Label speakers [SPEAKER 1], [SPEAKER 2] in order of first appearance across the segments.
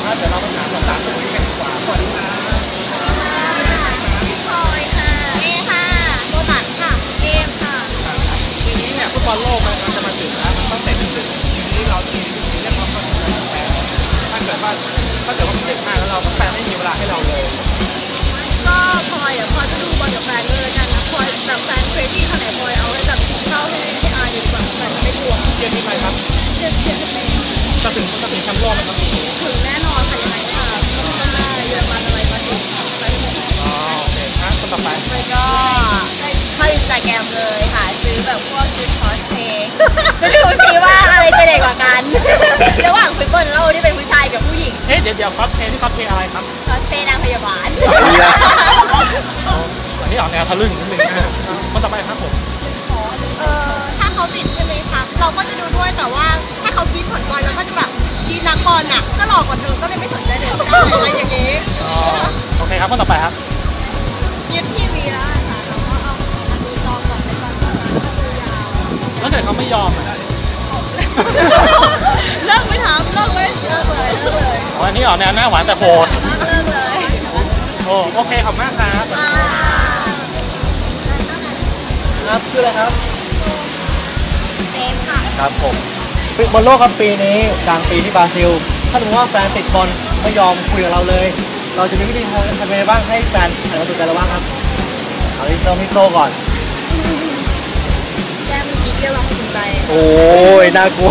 [SPEAKER 1] ครับเดี๋ยวเราไปถามสาวๆตรงนี้กันดีกว่าสวัสดีครับ
[SPEAKER 2] พี่พลอยค่ะเอค่ะโบตันค่ะเกมค่ะ
[SPEAKER 1] ทีนี้เนี่ยฟุตบอลโลกมันจะมาถึงแล้วมันต้องเตะถึงทีนี้เราจะมีวิธีเรียกร้องความสนใจของแฟนถ้าเกิดว่ามันเด็กมากแล้วเราแฟนไม่มีเวลาให้เราเลย
[SPEAKER 2] ก็พลอยพลอยจะดูบอลกับแฟนเลยกันนะพลอยแบบแฟนเครซี่ขนาดไหนพลอยเอาให้แบบเข้าให้อายดีกว่าแฟนไม่กลัว
[SPEAKER 1] เชียร์ทีมอะไรครับ
[SPEAKER 2] เชียร์สเปน
[SPEAKER 1] จะถึงแชมป์โลกไหมครับ
[SPEAKER 2] ถึงแน่นอนค่ะยังไงค่ะต้องได้เยอรมันอะไรมาถึงไปหมด
[SPEAKER 1] อ๋อโอเคครับคนต่อไป
[SPEAKER 2] ก็เข้าอินสตาแกรมเลยค่ะซื้อแบบพวกชุดคอสเพย์จะดูสิว่าอะไรจะเด็กกว่ากันระหว่างฟุตบอลโลกที่เป็นผู้ชายกับผู้หญิง
[SPEAKER 1] เดี๋ยวคอสเพย์ที่คอสเพย์อะไรครับ
[SPEAKER 2] คอสเพย์นางพยาบาล
[SPEAKER 1] อันนี้ออกแนวทะลึ่งนิดนึงนะคนต่อไปครับผม
[SPEAKER 2] ถ้าเขาติดใช่ไหมคะเราก็จะดูด้วยแต่ว่าถ้าเขาคิดผลบอลเราก็จะแบบคิดนักบอลน่ะก็หลอกกว่าเธอก็เลยไม่สนใจเลยอะไรอย่างงี้
[SPEAKER 1] โอเคครับคนต่อไปครับ
[SPEAKER 2] ยึดทีวีแล้วค่ะเราก็เอาดูจอก่อนเป็นบอลก็ดูยาว
[SPEAKER 1] แล้วเกิดเขาไม่ยอม
[SPEAKER 2] เลิกไม่ทำเลิกเลย
[SPEAKER 1] อันนี้ออกแนวหน้าหวานแต่โหด
[SPEAKER 2] เลิกเลย
[SPEAKER 1] โอเคขอบมากครับ
[SPEAKER 3] ครับชื่ออะไรครับ
[SPEAKER 2] เซฟค่ะ
[SPEAKER 3] ครับผมบอลโลกครับปีนี้กลางปีที่บราซิลถ้าสมมติว่าแฟนติดบอลไม่ยอมคุยกับเราเลยเราจะมีวิธีทำยังไงบ้างให้แฟนหันมาสนใจเราบ้างครับเอาที่พี่โตก่อน
[SPEAKER 2] แจ้งมีเกี่ยวกับสนใจ
[SPEAKER 3] โอ้ยน่ากลัว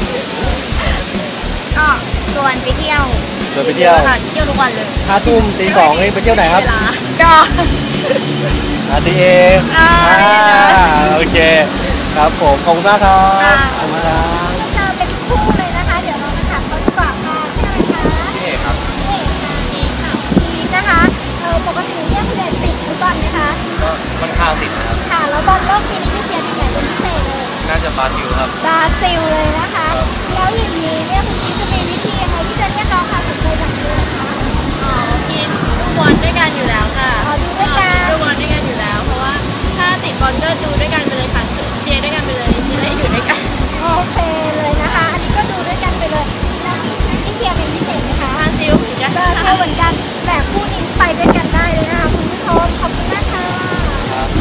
[SPEAKER 2] ก็ชวนไปเที่ยว
[SPEAKER 3] ไปเที่ยว
[SPEAKER 2] ค่ะเที่ยวทุกวันเลย
[SPEAKER 3] 5 ทุ่มตี 2นี่ไปเที่ยวไหนครับ
[SPEAKER 2] ก็
[SPEAKER 3] ตีเอโอเคครับผมขอบคุณมากครับขอบคุณครับ
[SPEAKER 2] จะเป็นคู่เลยนะคะเดี๋ยวเรามาถามเขาดีกว่าค่ะชื่ออะไรคะ
[SPEAKER 3] พี่เอกครับ
[SPEAKER 2] เอกค่ะนี่นะคะปกติเนี่ยคุณเอกติดฟุตบอลไหมคะ
[SPEAKER 3] ก็ค่อนข้างติดครับ
[SPEAKER 2] ค่ะแล้วบอลโลกปีนี้ที่เชียร์ทีมไหนเป็นพิเศษเลย
[SPEAKER 3] น่าจะบราซิลครับ
[SPEAKER 2] บราซิลเลยนะคะแล้วอย่างนี้เนี่ยคุณกิ๊ฟจะมีวิธียังไงที่จะเรียกร้องความสนใจจากเพื่อนคะกินดูบอลด้วยกันอยู่แล้วค่ะดูด้วยกันดูบอลด้วยกันอยู่แล้วเพราะว่าถ้าติดบอลก็ดูด้วยกันไปเลยค่ะเชียร์ด้วยกันไปเลยจะได้อยู่ด้วยกันโอเคเลยนะคะอันนี้ก็ดูด้วยกันไปเลยแล้วที่เชียร์เป็นพิเศษไหมคะบราซิลเหมือนกันเหมือนกันแต่คู่นี้ไปด้วยกันได้เลยนะคะคุณผู้ชมขอบคุณมากค่ะ
[SPEAKER 3] ครับ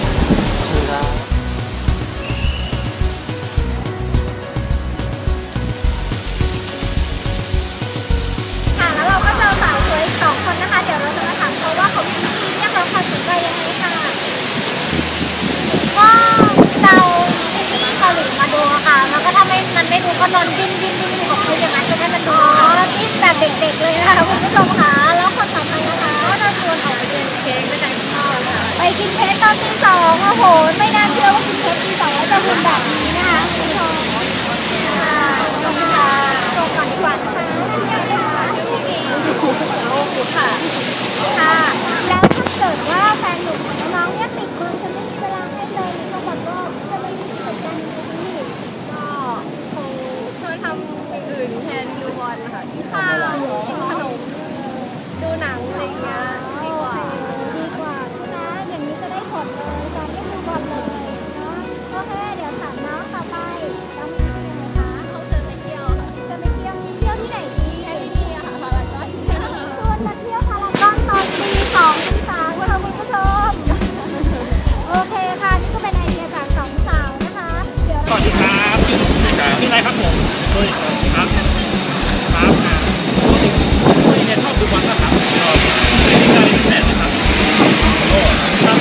[SPEAKER 2] แล้วเราก็เจอสาวสวย2 คนนะคะเดี๋ยวเราจะมาถามเขาว่าเขามีวิธีเรียกร้องความสนใจยังไงค่ะก็เราที่เกาหลีมาดูค่ะแล้วก็ถ้ามันไม่ดูก็นอนดิ้นของเขาอย่างนั้นจะได้มันดูดิ้นแบบเด็กๆเลยนะคะคุณผู้ชมค่ะแล้วคนต่อไปนะคะก็จะชวนออกไปกินเค้กด้วยกันค่ะไปกินเค้กตอนตี 2โอ้โหไม่น่าเชื่อว่ากินเค้กตี 2แล้วจะหุ่นแบบนี้นะคะคุณผู้ชมค่ะจบก่อนดีกว่านะคะค่ะค่ะแล้วถ้าเกิดว่าแฟนหนุ่มของน้องเนี่ยติดมือจะไม่มีเวลาให้เลยก็แบบว่าจะไม่มีเหมือนกันที่ก็คงช่วยทำอย่างอื่นแทนดูบอลค่ะที่ข้าวกินขนมดูหนังอะไรอย่างเงี้ยดีกว่านะอย่างนี้จะได้ผลเลยตอนที่ดูบอลเลยเนาะโอเคเดี๋ยวถามน้องต่อไปน้องมีที่ไหนคะเขาจะไปเที่ยวที่ไหนดีที่นี่ค่ะพารากอนชวนมาเที่ยวพารากอนตอนตี 2 ตี 3ค่ะคุณผู้ชมโอเคค่ะนี่ก็เป็นไอเดียจาก2 สาวนะคะเดี๋ยว
[SPEAKER 1] สวัสดีครับชื่ออะไรครับผมครับคุณเนี่ยชอบดูบอลนะครับในรายการพิเศษนะครับโอ้ครับ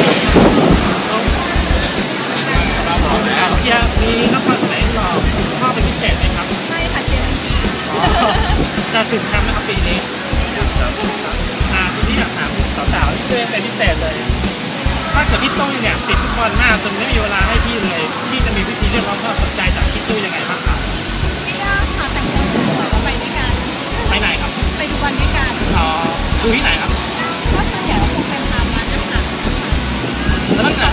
[SPEAKER 1] เชียร์มีนักบอลไหนเราชอบเป็นพิเศษไหมครับ
[SPEAKER 2] ไม่ค่ะเชียร์
[SPEAKER 1] จะถึงแชมป์นะครับปีนี้ทีนี้อยากถามสาวๆที่เป็นพิเศษเลยถ้าเกิดพี่ตุ้ยเนี่ยติดฟุตบอลมากจนไม่มีเวลาให้พี่เลยพี่จะมีวิธีเรียกร้องความสนใจจากพี่ตุ้ยยังไงบ้างครับ
[SPEAKER 2] พี่ก็หาแต่งตัวเราไปด้วยกัน
[SPEAKER 1] ไปไหนครับ
[SPEAKER 2] ไปดูบอลด้วยกัน
[SPEAKER 1] ดูที่ไหนครับ
[SPEAKER 2] ก็ส่วนใหญ่เราคงเป็นตามร้านอาหาร
[SPEAKER 1] แล้วถ้าเกิด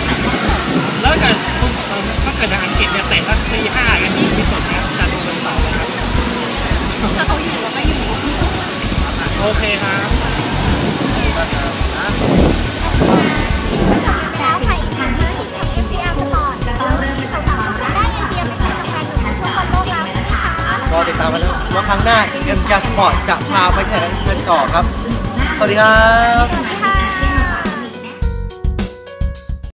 [SPEAKER 1] ในอังกฤษเนี่ยเตะตั้งตี 5กันที่สุดนะจะดูเป็นต่อเลยครับ
[SPEAKER 2] ถ้าเขาอยู่เราก็อยู่
[SPEAKER 1] โอเคครับ
[SPEAKER 2] แล้วใครอีกคะที่ทำ FPR Sport เราเริ่มสาวๆได้ไอเดียไปใช้กับแฟนหนุ่มในช่วงบอลโลกแล้วใช่ไหมคะ
[SPEAKER 3] ก็ติดตามมาแล้วว่าครั้งหน้าเอ็มแคสปอร์ตจะพาไปที่ไหนกันต่อครับสวัสดีครับ